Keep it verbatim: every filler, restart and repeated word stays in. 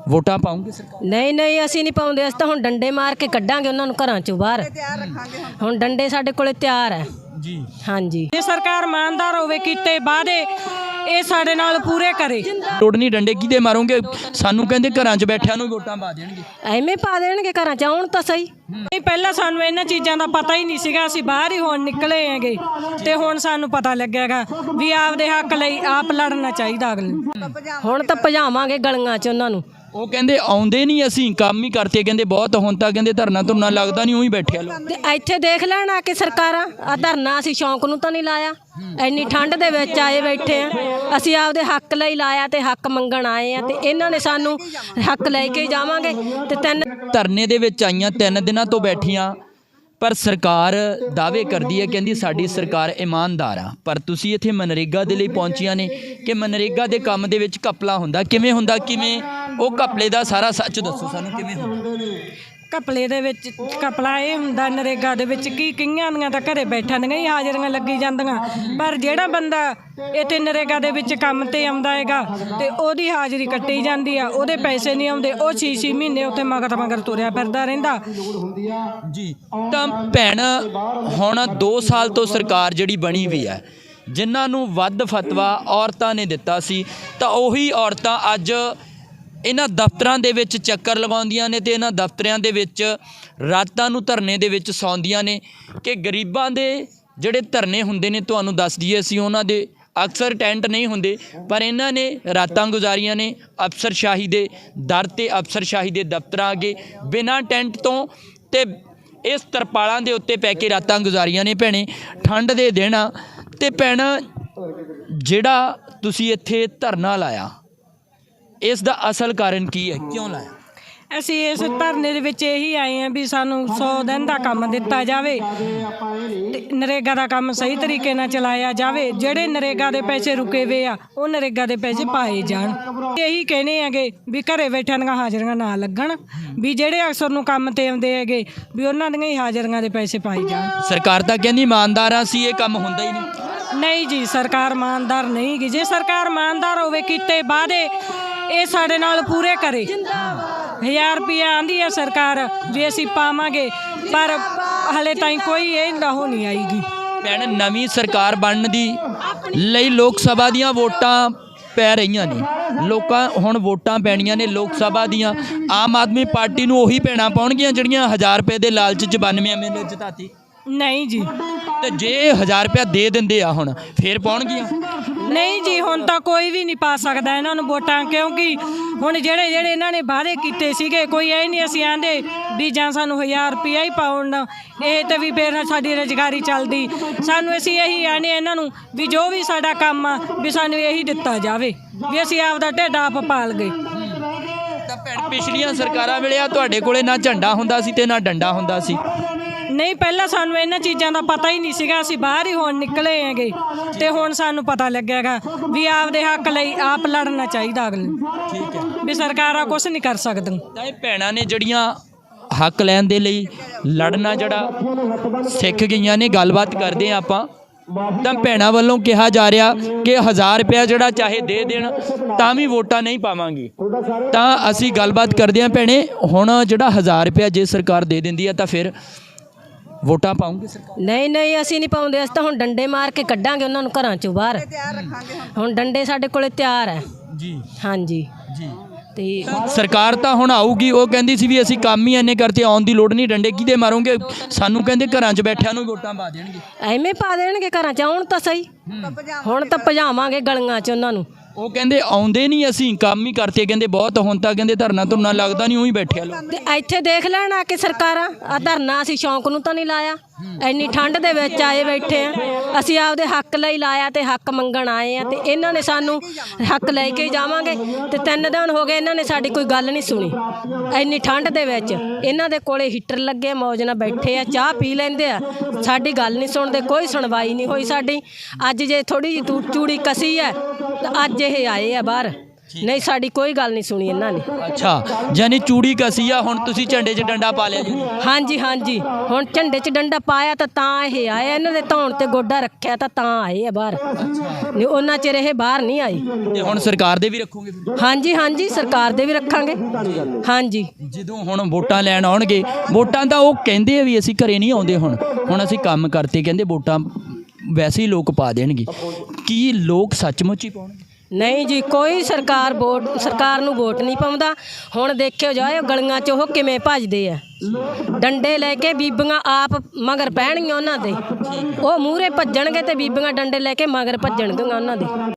ਵੋਟਾਂ ਪਾਉਂਗੇ ਸਰਕਾਰ? ਨਹੀਂ ਨਹੀਂ ਅਸੀਂ ਨਹੀਂ ਪਾਉਂਦੇ, ਅਸੀਂ ਤਾਂ ਹੁਣ ਡੰਡੇ ਮਾਰ ਕੇ ਕੱਢਾਂਗੇ ਉਹਨਾਂ ਨੂੰ ਘਰਾਂ ਚੋਂ ਬਾਹਰ। ਹੁਣ ਡੰਡੇ ਸਾਡੇ ਕੋਲੇ ਤਿਆਰ ਹੈ ਜੀ। ਹਾਂਜੀ, ਜੇ ਸਰਕਾਰ ਇਮਾਨਦਾਰ ਹੋਵੇ, ਕੀਤੇ ਵਾਅਦੇ ਇਹ ਸਾਡੇ ਨਾਲ ਪੂਰੇ ਕਰੇ। ਲੋੜ ਨਹੀਂ ਡੰਡੇ ਕਿਹਦੇ ਮਾਰੋਗੇ? ਸਾਨੂੰ ਕਹਿੰਦੇ ਘਰਾਂ 'ਚ ਬੈਠਿਆਂ ਨੂੰ ਵੋਟਾਂ ਪਾ ਦੇਣਗੇ। ਐਵੇਂ ਪਾ ਦੇਣਗੇ ਘਰਾਂ 'ਚ, ਆਉਣ ਤਾਂ ਸਹੀ। ਨਹੀਂ, ਪਹਿਲਾਂ ਸਾਨੂੰ ਇਹਨਾਂ ਚੀਜ਼ਾਂ ਦਾ ਪਤਾ ਹੀ ਨਹੀਂ ਸੀਗਾ, ਅਸੀਂ ਬਾਹਰ ਹੀ ਹੁਣ ਨਿਕਲੇ ਹੈਗੇ ਤੇ ਹੁਣ ਸਾਨੂੰ ਪਤਾ ਲੱਗਿਆਗਾ ਵੀ ਆਪਦੇ ਹੱਕ ਲਈ ਆਪ ਲੜਨਾ ਚਾਹੀਦਾ ਅਗਲੇ ਨੂੰ। ਹੁਣ ਤਾਂ ਭਜਾਵਾਂਗੇ ਗਲੀਆਂ 'ਚ ਉਹਨਾਂ ਨੂੰ। ਉਹ ਕਹਿੰਦੇ ਆਉਂਦੇ ਨਹੀਂ, ਅਸੀਂ ਕੰਮ ਹੀ ਕਰਤੇ, ਕਹਿੰਦੇ ਬਹੁਤ ਹੁਣ ਤਾਂ ਕਹਿੰਦੇ ਧਰਨਾ ਧੁਰਨਾ ਲੱਗਦਾ ਨਹੀਂ, ਉਹੀ ਬੈਠਿਆ ਲੋਕ। ਤੇ ਇੱਥੇ ਦੇਖ ਲੈਣ ਆ ਕੇ ਸਰਕਾਰਾਂ, ਆ ਧਰਨਾ ਅਸੀਂ ਸ਼ੌਂਕ ਨੂੰ ਤਾਂ ਨਹੀਂ ਲਾਇਆ, ਇੰਨੀ ਠੰਡ ਦੇ ਵਿੱਚ ਆਏ ਬੈਠੇ ਆ, ਅਸੀਂ ਆਪਦੇ ਹੱਕ ਲਈ ਲਾਇਆ ਤੇ ਹੱਕ ਮੰਗਣ ਆਏ ਆ, ਤੇ ਇਹਨਾਂ ਨੇ ਸਾਨੂੰ ਹੱਕ ਲੈ ਕੇ ਜਾਵਾਂਗੇ। ਤੇ ਤਿੰਨ ਧਰਨੇ ਦੇ ਵਿੱਚ ਆਈਆਂ, ਤਿੰਨ ਦਿਨਾਂ ਤੋਂ ਬੈਠੀਆਂ, ਪਰ ਸਰਕਾਰ ਦਾਅਵੇ ਕਰਦੀ ਹੈ, ਕਹਿੰਦੀ ਸਾਡੀ ਸਰਕਾਰ ਇਮਾਨਦਾਰ ਆ, ਪਰ ਤੁਸੀਂ ਇੱਥੇ ਮਨਰੇਗਾ ਦੇ ਲਈ ਪਹੁੰਚੀਆਂ ਨੇ ਕਿ ਮਨਰੇਗਾ ਦੇ ਕੰਮ ਦੇ ਵਿੱਚ ਘਪਲਾ ਹੁੰਦਾ, ਕਿਵੇਂ ਹੁੰਦਾ, ਕਿਵੇਂ ਉਹ ਘਪਲੇ ਦਾ ਸਾਰਾ ਸੱਚ ਦੱਸੋ ਸਾਨੂੰ, ਕਿਵੇਂ ਹੁੰਦਾ? ਘਪਲੇ ਦੇ ਵਿੱਚ ਘਪਲਾ ਇਹ ਹੁੰਦਾ, ਨਰੇਗਾ ਦੇ ਵਿੱਚ ਕੀ ਕਈਆਂ ਦੀਆਂ ਤਾਂ ਘਰੇ ਬੈਠਾਂ ਦੀਆਂ ਹੀ ਹਾਜ਼ਰੀਆਂ ਲੱਗੀ ਜਾਂਦੀਆਂ, ਪਰ ਜਿਹੜਾ ਬੰਦਾ ਇੱਥੇ ਨਰੇਗਾ ਦੇ ਵਿੱਚ ਕੰਮ ਤੇ ਆਉਂਦਾ ਹੈਗਾ ਤੇ ਉਹਦੀ ਹਾਜ਼ਰੀ ਕੱਟੀ ਜਾਂਦੀ ਆ, ਉਹਦੇ ਪੈਸੇ ਨਹੀਂ ਆਉਂਦੇ, ਉਹ ਛੇ ਛੇ ਮਹੀਨੇ ਉੱਥੇ ਮਗਰ ਮਗਰ ਤੁਰਿਆ ਫਿਰਦਾ ਰਹਿੰਦਾ ਜੀ। ਤਾਂ ਭੈਣ, ਹੁਣ ਦੋ ਸਾਲ ਤੋਂ ਸਰਕਾਰ ਜਿਹੜੀ ਬਣੀ ਹੋਈ ਹੈ, ਜਿਨ੍ਹਾਂ ਨੂੰ ਵੱਧ ਫਤਵਾ ਔਰਤਾਂ ਨੇ ਦਿੱਤਾ ਸੀ, ਤਾਂ ਉਹੀ ਔਰਤਾਂ ਅੱਜ ਇਹਨਾਂ ਦਫ਼ਤਰਾਂ ਦੇ ਵਿੱਚ ਚੱਕਰ ਲਗਾਉਂਦੀਆਂ ਨੇ ਤੇ ਇਹਨਾਂ ਦਫ਼ਤਰਾਂ ਦੇ ਵਿੱਚ ਰਾਤਾਂ ਨੂੰ ਧਰਨੇ ਦੇ ਵਿੱਚ ਸੌਂਦੀਆਂ ਨੇ ਕਿ ਗਰੀਬਾਂ ਦੇ ਜਿਹੜੇ ਧਰਨੇ ਹੁੰਦੇ ਨੇ, ਤੁਹਾਨੂੰ ਦੱਸ ਦਈਏ ਅਸੀਂ, ਉਹਨਾਂ ਦੇ ਅਕਸਰ ਟੈਂਟ ਨਹੀਂ ਹੁੰਦੇ, ਪਰ ਇਹਨਾਂ ਨੇ ਰਾਤਾਂ ਗੁਜ਼ਾਰੀਆਂ ਨੇ ਅਫਸਰਸ਼ਾਹੀ ਦੇ ਦਰ 'ਤੇ, ਅਫਸਰਸ਼ਾਹੀ ਦੇ ਦਫ਼ਤਰਾਂ ਅੱਗੇ ਬਿਨਾਂ ਟੈਂਟ ਤੋਂ, ਤੇ ਇਸ ਤਰਪਾਲਾਂ ਦੇ ਉੱਤੇ ਪੈ ਕੇ ਰਾਤਾਂ ਗੁਜ਼ਾਰੀਆਂ ਨੇ ਭੈਣੇ, ਠੰਡ ਦੇ ਦਿਨ ਆ। ਤੇ ਭੈਣ, ਜਿਹੜਾ ਤੁਸੀਂ ਇੱਥੇ ਧਰਨਾ ਲਾਇਆ, ਇਸ ਦਾ ਅਸਲ ਕਾਰਨ ਕੀ ਹੈ, ਕਿਉਂ ਲਾਇਆ? ਅਸੀਂ ਇਸ ਧਰਨੇ ਦੇ ਵਿੱਚ ਇਹੀ ਆਏ ਹਾਂ ਵੀ ਸਾਨੂੰ ਸੌ ਦਿਨ ਦਾ ਕੰਮ ਦਿੱਤਾ ਜਾਵੇ ਤੇ ਨਰੇਗਾ ਦਾ ਕੰਮ ਸਹੀ ਤਰੀਕੇ ਨਾਲ ਚਲਾਇਆ ਜਾਵੇ, ਜਿਹੜੇ ਨਰੇਗਾ ਦੇ ਪੈਸੇ ਰੁਕੇ ਵੇ ਆ ਉਹ ਨਰੇਗਾ ਦੇ ਪੈਸੇ ਪਾਏ ਜਾਣ। ਇਹੀ ਕਹਿੰਦੇ ਹੈਗੇ ਵੀ ਘਰੇ ਬੈਠਿਆਂ ਦੀਆਂ ਹਾਜ਼ਰੀਆਂ ਨਾ ਲੱਗਣ, ਵੀ ਜਿਹੜੇ ਅਕਸਰ ਨੂੰ ਕੰਮ ਤੇ ਆਉਂਦੇ ਹੈਗੇ ਵੀ ਉਹਨਾਂ ਦੀਆਂ ਹੀ ਹਾਜ਼ਰੀਆਂ ਦੇ ਪੈਸੇ ਪਾਏ ਜਾਣ। ਸਰਕਾਰ ਤਾਂ ਕਹਿੰਦੀ ਇਮਾਨਦਾਰਾਂ ਸੀ, ਇਹ ਕੰਮ ਹੁੰਦਾ ਹੀ ਨਹੀਂ। ਨਹੀਂ ਜੀ, ਸਰਕਾਰ ਇਮਾਨਦਾਰ ਨਹੀਂ ਗੀ। ਜੇ ਸਰਕਾਰ ਇਮਾਨਦਾਰ ਹੋਵੇ, ਕੀਤੇ ਵਾਅਦੇ ਇਹ ਸਾਡੇ ਨਾਲ ਪੂਰੇ ਕਰੇ। ਹਜ਼ਾਰ ਰੁਪਇਆ ਆਂਦੀ ਹੈ ਸਰਕਾਰ ਵੀ ਅਸੀਂ ਪਾਵਾਂਗੇ, ਪਰ ਹਲੇ ਤਾਈਂ ਕੋਈ ਇਹ ਉਹ ਨਹੀਂ ਆਈਗੀ। ਭੈਣ, ਨਵੀਂ ਸਰਕਾਰ ਬਣਨ ਦੀ ਲਈ ਲੋਕ ਸਭਾ ਦੀਆਂ ਵੋਟਾਂ ਪੈ ਰਹੀਆਂ ਨੇ, ਲੋਕਾਂ ਹੁਣ ਵੋਟਾਂ ਪੈਣੀਆਂ ਨੇ ਲੋਕ ਸਭਾ ਦੀਆਂ। ਆਮ ਆਦਮੀ ਪਾਰਟੀ ਨੂੰ ਉਹੀ ਭੈਣਾਂ ਪਾਉਣਗੀਆਂ ਜਿਹੜੀਆਂ ਹਜ਼ਾਰ ਰੁਪਏ ਦੇ ਲਾਲਚ 'ਚ ਬਾਨਵੇਂ ਐਮ ਐਲ ਏ ਜਿਤਾਤੀ? ਨਹੀਂ ਜੀ। ਤੇ ਜੇ ਹਜ਼ਾਰ ਰੁਪਇਆ ਦੇ ਦਿੰਦੇ ਆ ਹੁਣ, ਫੇਰ ਪਾਉਣਗੀਆਂ? ਨਹੀਂ ਜੀ, ਹੁਣ ਤਾਂ ਕੋਈ ਵੀ ਨਹੀਂ ਪਾ ਸਕਦਾ ਇਹਨਾਂ ਨੂੰ ਵੋਟਾਂ, ਕਿਉਂਕਿ ਹੁਣ ਜਿਹੜੇ ਜਿਹੜੇ ਇਹਨਾਂ ਨੇ ਵਾਅਦੇ ਕੀਤੇ ਸੀਗੇ, ਕੋਈ ਇਹ ਨਹੀਂ ਅਸੀਂ ਆਂਦੇ ਵੀ ਜਾਂ ਸਾਨੂੰ ਹਜ਼ਾਰ ਰੁਪਇਆ ਹੀ ਪਾਉਣ, ਇਹ ਤਾਂ ਵੀ ਫਿਰ ਸਾਡੀ ਰੁਜ਼ਗਾਰੀ ਚੱਲਦੀ। ਸਾਨੂੰ ਅਸੀਂ ਇਹੀ ਆਨੇ ਇਹਨਾਂ ਨੂੰ ਵੀ ਜੋ ਵੀ ਸਾਡਾ ਕੰਮ ਆ ਵੀ ਸਾਨੂੰ ਇਹੀ ਦਿੱਤਾ ਜਾਵੇ, ਵੀ ਅਸੀਂ ਆਪਦਾ ਢਿੱਡ ਆਪ ਪਾਲ ਗਏ। ਤਾਂ ਭੈਣ, ਪਿਛਲੀਆਂ ਸਰਕਾਰਾਂ ਵੇਲੇ ਆ ਤੁਹਾਡੇ ਕੋਲੇ ਨਾ ਝੰਡਾ ਹੁੰਦਾ ਸੀ ਤੇ ਨਾ ਡੰਡਾ ਹੁੰਦਾ ਸੀ। ਨਹੀਂ, ਪਹਿਲਾਂ ਸਾਨੂੰ ਇਹਨਾਂ ਚੀਜ਼ਾਂ ਦਾ ਪਤਾ ਹੀ ਨਹੀਂ ਸੀਗਾ, ਅਸੀਂ ਬਾਹਰ ਹੀ ਹੁਣ ਨਿਕਲੇ ਹੈਗੇ ਤੇ ਹੁਣ ਸਾਨੂੰ ਪਤਾ ਲੱਗਿਆਗਾ ਵੀ ਆਪਦੇ ਹੱਕ ਲਈ ਆਪ ਲੜਨਾ ਚਾਹੀਦਾ ਅਗਲੇ ਨੂੰ। ਠੀਕ ਹੈ, ਵੀ ਸਰਕਾਰਾਂ ਕੁਛ ਨਹੀਂ ਕਰ ਸਕਦੀਆਂ। ਤਾਂ ਇਹ ਭੈਣਾਂ ਨੇ ਜਿਹੜੀਆਂ ਹੱਕ ਲੈਣ ਦੇ ਲਈ ਲੜਨਾ ਜਿਹੜਾ ਸਿੱਖ ਗਈਆਂ ਨੇ। ਗੱਲਬਾਤ ਕਰਦੇ ਹਾਂ ਆਪਾਂ। ਤਾਂ ਭੈਣਾਂ ਵੱਲੋਂ ਕਿਹਾ ਜਾ ਰਿਹਾ ਕਿ ਹਜ਼ਾਰ ਰੁਪਇਆ ਜਿਹੜਾ ਚਾਹੇ ਦੇ ਦੇਣ ਤਾਂ ਵੀ ਵੋਟਾਂ ਨਹੀਂ ਪਾਵਾਂਗੀ। ਤਾਂ ਅਸੀਂ ਗੱਲਬਾਤ ਕਰਦੇ ਹਾਂ ਭੈਣੇ, ਹੁਣ ਜਿਹੜਾ ਹਜ਼ਾਰ ਰੁਪਇਆ ਜੇ ਸਰਕਾਰ ਦੇ ਦਿੰਦੀ ਹੈ ਤਾਂ ਫਿਰ ਵੋਟਾਂ ਪਾਉਂਗੇ ਸਰਕਾਰ? ਨਹੀਂ ਨਹੀਂ ਅਸੀਂ ਨਹੀਂ ਪਾਉਂਦੇ, ਅਸੀਂ ਤਾਂ ਹੁਣ ਡੰਡੇ ਮਾਰ ਕੇ ਕੱਢਾਂਗੇ ਉਹਨਾਂ ਨੂੰ ਘਰਾਂ ਚੋਂ ਬਾਹਰ। ਹੁਣ ਡੰਡੇ ਸਾਡੇ ਕੋਲੇ ਤਿਆਰ ਹੈ ਜੀ। ਹਾਂਜੀ ਜੀ। ਤੇ ਸਰਕਾਰ ਤਾਂ ਹੁਣ ਆਊਗੀ, ਉਹ ਕਹਿੰਦੀ ਸੀ ਵੀ ਅਸੀਂ ਕੰਮ ਹੀ ਇੰਨੇ ਕਰਤੇ, ਆਉਣ ਦੀ ਲੋੜ ਨਹੀਂ, ਡੰਡੇ ਕਿਹਦੇ ਮਾਰੋਗੇ? ਸਾਨੂੰ ਕਹਿੰਦੇ ਘਰਾਂ 'ਚ ਬੈਠਿਆਂ ਨੂੰ ਵੋਟਾਂ ਪਾ ਦੇਣਗੇ। ਐਵੇਂ ਪਾ ਦੇਣਗੇ ਘਰਾਂ 'ਚ, ਆਉਣ ਤਾਂ ਸਹੀ। ਹੁਣ ਤਾਂ ਭਜਾਵਾਂਗੇ ਗਲੀਆਂ 'ਚ ਉਹਨਾਂ ਨੂੰ। ਉਹ ਕਹਿੰਦੇ ਆਉਂਦੇ ਨਹੀਂ, ਅਸੀਂ ਕੰਮ ਹੀ ਕਰਤੇ, ਕਹਿੰਦੇ ਬਹੁਤ ਹੁਣ ਤਾਂ ਕਹਿੰਦੇ ਧਰਨਾ ਧੁਰਨਾ ਲੱਗਦਾ ਨਹੀਂ, ਉਹੀ ਬੈਠਿਆ ਲੋਕ। ਤੇ ਇੱਥੇ ਦੇਖ ਲੈਣ ਆ ਕੇ ਸਰਕਾਰਾਂ, ਆ ਧਰਨਾ ਅਸੀਂ ਸ਼ੌਂਕ ਨੂੰ ਤਾਂ ਨਹੀਂ ਲਾਇਆ, ਇੰਨੀ ਠੰਡ ਦੇ ਵਿੱਚ ਆਏ ਬੈਠੇ ਆ, ਅਸੀਂ ਆਪਦੇ ਹੱਕ ਲਈ ਲਾਇਆ ਤੇ ਹੱਕ ਮੰਗਣ ਆਏ ਆ, ਤੇ ਇਹਨਾਂ ਨੇ ਸਾਨੂੰ ਹੱਕ ਲੈ ਕੇ ਜਾਵਾਂਗੇ। ਤੇ ਤਿੰਨ ਦਿਨ ਹੋ ਗਏ ਇਹਨਾਂ ਨੇ ਸਾਡੀ ਕੋਈ ਗੱਲ ਨਹੀਂ ਸੁਣੀ, ਇੰਨੀ ਠੰਡ ਦੇ ਵਿੱਚ। ਇਹਨਾਂ ਦੇ ਕੋਲੇ ਹੀਟਰ ਲੱਗੇ, ਮੌਜ ਨਾਲ ਬੈਠੇ ਆ, ਚਾਹ ਪੀ ਲੈਂਦੇ ਆ, ਸਾਡੀ ਗੱਲ ਨਹੀਂ ਸੁਣਦੇ, ਕੋਈ ਸੁਣਵਾਈ ਨਹੀਂ ਹੋਈ ਸਾਡੀ। ਅੱਜ ਜੇ ਥੋੜੀ ਜਿਹੀ ਚੂੜੀ ਕਸੀ ਹੈ ਤਾਂ ਅੱਜ ਇਹ ਆਏ ਆ ਬਾਹਰ, ਨਹੀਂ ਸਾਡੀ ਕੋਈ ਗੱਲ ਨਹੀਂ ਸੁਣੀ ਇਹਨਾਂ ਨੇ। ਅੱਛਾ, ਯਾਨੀ ਚੂੜੀ ਕਸੀ ਆ, ਹੁਣ ਤੁਸੀਂ ਝੰਡੇ 'ਚ ਡੰਡਾ ਪਾ ਲਿਆ ਜੀ। ਹਾਂਜੀ ਹਾਂਜੀ, ਹੁਣ ਝੰਡੇ 'ਚ ਡੰਡਾ ਪਾਇਆ ਤਾਂ ਤਾਂ ਇਹ ਆਏ, ਇਹਨਾਂ ਦੇ ਧੌਣ ਤੇ ਗੋਡਾ ਰੱਖਿਆ ਤਾਂ ਤਾਂ ਆਏ ਆ ਬਾਹਰ, ਨਹੀਂ ਉਹਨਾਂ ਚਿਰ ਇਹ ਬਾਹਰ ਨਹੀਂ ਆਈ। ਤੇ ਹੁਣ ਸਰਕਾਰ ਦੇ ਵੀ ਰੱਖੋਗੇ ਫਿਰ? ਹਾਂਜੀ ਹਾਂਜੀ, ਸਰਕਾਰ ਦੇ ਵੀ ਰੱਖਾਂਗੇ। ਹਾਂਜੀ, ਜਦੋਂ ਹੁਣ ਵੋਟਾਂ ਲੈਣ ਆਉਣਗੇ, ਵੋਟਾਂ ਤਾਂ ਉਹ ਕਹਿੰਦੇ ਆ ਵੀ ਅਸੀਂ ਘਰੇ ਨਹੀਂ ਆਉਂਦੇ, ਹੁਣ ਹੁਣ ਅਸੀਂ ਕੰਮ ਕਰਤੇ, ਕਹਿੰਦੇ ਵੋਟਾਂ ਵੈਸੇ ਹੀ ਲੋਕ ਪਾ ਦੇਣਗੇ। ਕੀ ਲੋਕ ਸੱਚਮੁੱਚ ਹੀ ਪਾਉਣਗੇ? ਨਹੀਂ ਜੀ, ਕੋਈ ਸਰਕਾਰ ਵੋਟ ਸਰਕਾਰ ਨੂੰ ਵੋਟ ਨਹੀਂ ਪਾਉਂਦਾ। ਹੁਣ ਦੇਖਿਓ ਜਾਇਓ ਗਲੀਆਂ 'ਚ ਉਹ ਕਿਵੇਂ ਭੱਜਦੇ ਆ, ਡੰਡੇ ਲੈ ਕੇ ਬੀਬੀਆਂ ਆਪ ਮਗਰ ਪੈਣਗੀਆਂ ਉਹਨਾਂ ਦੇ, ਉਹ ਮੂਹਰੇ ਭੱਜਣਗੇ ਤੇ ਬੀਬੀਆਂ ਡੰਡੇ ਲੈ ਕੇ ਮਗਰ ਭੱਜਣਗੀਆਂ ਉਹਨਾਂ ਦੇ।